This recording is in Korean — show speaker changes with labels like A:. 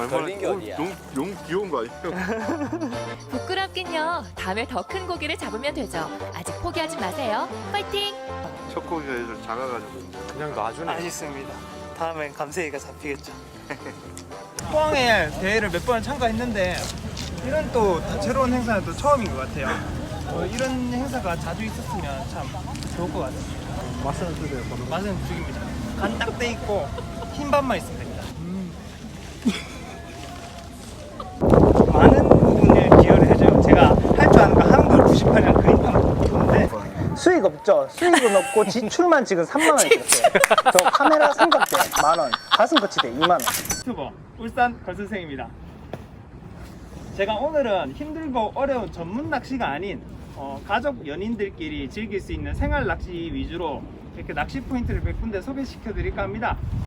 A: 걸린 게 어디야?
B: 용 귀여운 거 아니에요?
C: 부끄럽긴요. 다음에 더 큰 고기를 잡으면 되죠. 아직 포기하지 마세요. 파이팅!
B: 첫 고기가 좀 작아가지고
A: 그냥 놔주네.
D: 아쉽습니다. 다음엔 감세이가 잡히겠죠.
E: 포항에 대회를 몇 번 참가했는데 이런 또 다채로운 행사는 또 처음인 것 같아요. 이런 행사가 자주 있었으면 참 좋을 것 같아요.
B: 맛은 어떠세요?
E: 맛은 죽입니다. 간 딱 돼 있고 흰밥만 있으면 됩니다. 많은 부분을 기여를 해줘요. 제가 할 줄 아는 거 한글 98년 그림판 있는데 수익 없죠. 수익은 없고 지출만 지금 3만 원 있었어요. 저 카메라 삼각대 10,000원, 가슴 거치대 2만 원. 유튜버 울산 걸선생입니다. 제가 오늘은 힘들고 어려운 전문 낚시가 아닌 가족 연인들끼리 즐길 수 있는 생활 낚시 위주로 이렇게 낚시 포인트를 몇 군데 소개시켜 드릴까 합니다.